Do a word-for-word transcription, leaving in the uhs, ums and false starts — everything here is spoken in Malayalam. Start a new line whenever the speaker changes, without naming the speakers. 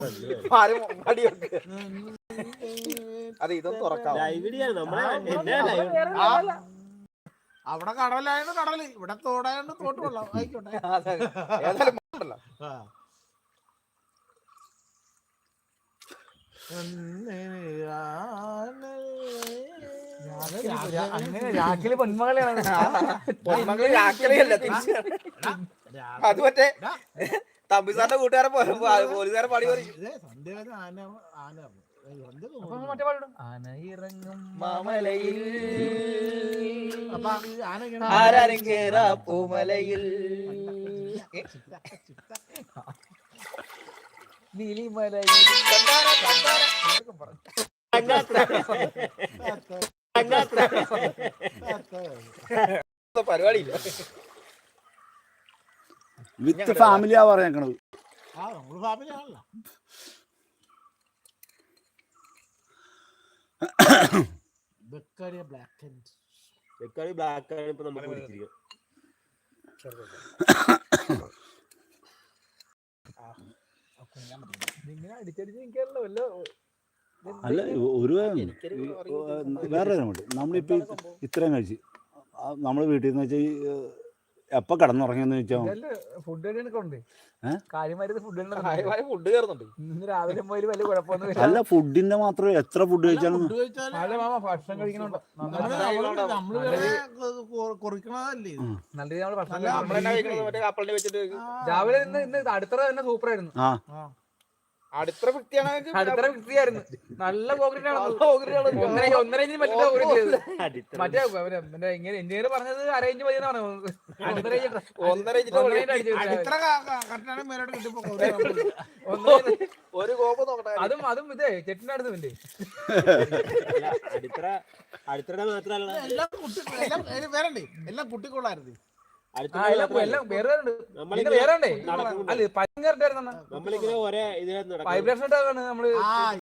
അത് ഇതൊന്നും തുറക്കാം.
അവിടെ കടലായോണ്ട് കടല്, ഇവിടെ തോടായോണ്ട് തോട്ട് വെള്ളം. ആയിക്കോട്ടെ.
ഏതായാലും ഉണ്ടല്ലോ.
അങ്ങനെ രാഖില് പൊന്മകളെയാണ്.
പൊന്മകള് രാഖിലല്ല, തിരിച്ച് അത് മറ്റേ തമ്പിസാറിന്റെ കൂട്ടുകാരൻ പോലീസുകാരൻ പാടി പറയും.
ആനയിറങ്ങും മാമലയിൽ
ആരാരും കേറാ പൂമലയിൽ
നീലിമലയിൽ
പരിപാടിയില്ല.
വിത്ത് ഫാമിലിയാ പറഞ്ഞേക്കണത്.
ആ നമ്മള് ഫാമിലി ആണല്ലോ. ബെക്കാരിയ ബ്ലാക്ക് ആൻഡ്
ബെക്കാരി ബ്ലാക്ക് ആണ് ഇപ്പൊ നമുക്ക് പിടിച്ചിരിക്കുന്നത്.
ഇങ്ങനെ അടിച്ചടിച്ച് നിൽക്കാനല്ലോ വല്ലോ.
അല്ല ഒരു വേറെ കാര്യമുണ്ട്. നമ്മളിപ്പോ ഇത്രയും കഴിച്ച് നമ്മള് വീട്ടിൽ നിന്ന് വെച്ചാൽ എപ്പ കടന്നുറങ്ങിയെന്ന് വെച്ചാൽ
ഫുഡ് ഉണ്ട് കാര്യമായിട്ട് ഫുഡ്
ഫുഡ് കയറുന്നുണ്ട്.
ഇന്ന് രാവിലെ പോയി വലിയ കുഴപ്പമൊന്നും
അല്ല. ഫുഡിന്റെ മാത്രം എത്ര ഫുഡ് കഴിച്ചാലും
ഭക്ഷണം കഴിക്കണുണ്ടോ
കുറിക്കണതല്ലേ
നല്ല രീതിയിൽ നമ്മള് ഭക്ഷണം
കപ്പലിനെ വെച്ചിട്ട്
രാവിലെ ഇന്ന് ഇന്ന് അടുത്ത തന്നെ സൂപ്പർ ആയിരുന്നു.
ആ
അടുത്ത വൃത്തിയാണ്.
അടുത്ത വൃത്തിയായിരുന്നു. നല്ല കോൺക്രീറ്റ് ആണ്. ഒന്നര ഒന്നര ഇഞ്ചിന് പറ്റില്ല കോൺക്രീറ്റ്. മറ്റേ മറ്റേ ഇങ്ങനെ എഞ്ചിനീയർ പറഞ്ഞത് അര ഇഞ്ച് മതി എന്നാണ്. ഒന്നര ഇഞ്ച്
ഒന്നര ഇഞ്ച് ഒരു കോപ്പ് നോക്കട്ടെ.
അതും അതും ഇതേ ചെട്ടിന്റെ അടുത്ത് ഉണ്ട്.
അടിത്തറ അടിത്തറ മാത്രല്ല
എല്ലാം കുട്ടി വേറണ്ടേ എല്ലാം കുട്ടിക്കൊള്ളായിരുന്നു.
വേറെ
നമ്മളിങ്ങനെ ഒരേ ഇതിനകത്ത്
വൈബ്രേഷൻ നമ്മള്